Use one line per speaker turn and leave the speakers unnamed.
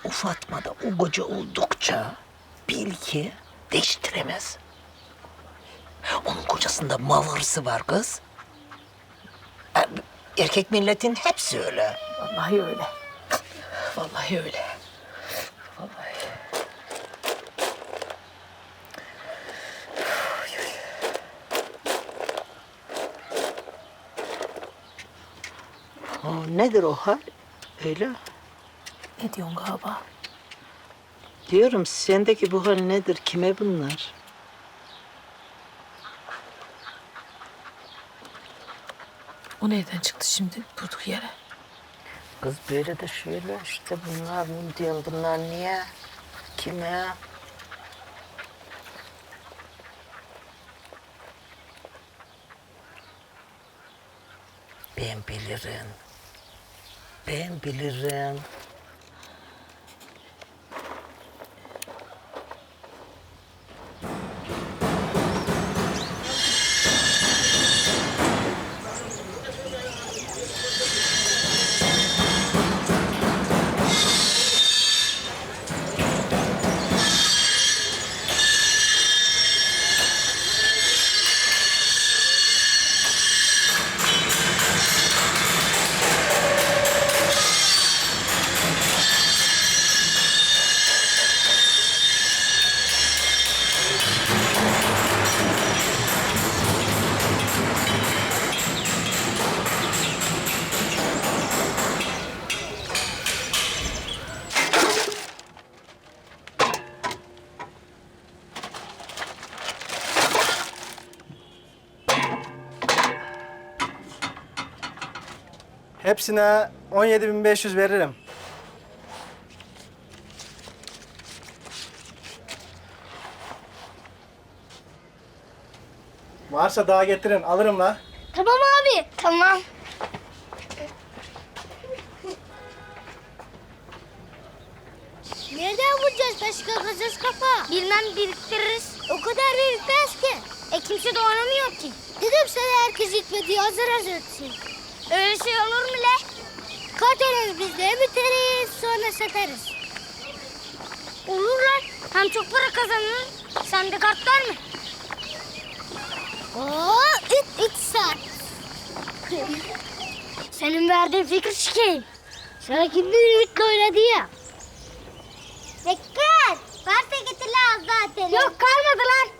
o Fatma da o koca oldukça bil ki değiştiremez. Onun kocasında mal hırsı var kız. Erkek milletin hepsi öyle.
Vallahi öyle.
Vallahi öyle. Vallahi. Nedir o hal? Öyle.
Ne diyorsun galiba?
Diyorum sendeki bu hal nedir? Kime bunlar?
O nereden çıktı şimdi durduk yere?
Kız böyle de şöyle işte bunlar mı diyorum bunlar niye? Kime? Ben bilirim. Ben bilirim.
Hepsine 17.500 veririm. Varsa daha getirin, alırım la.
Tamam abi. Tamam. Nereden bulacağız başka kazız kafa? Bilmem biriktiririz. O kadar birikmez ki. Kimse de oynamıyor ki. Dedim sana herkes gitmedi hazır hazır etsin. Öyle şey olur mu le? Kart alırız biz de biteriz sonra satarız. Olur lan. Hem çok para kazanırız. Sende kart var mı? Oo, 3 saat. Senin verdiğin fikir şikayım. Sana kimden ümitle oynadı ya? Dikkat! Varsa getir lan az daha ateli. Yok kalmadı lan.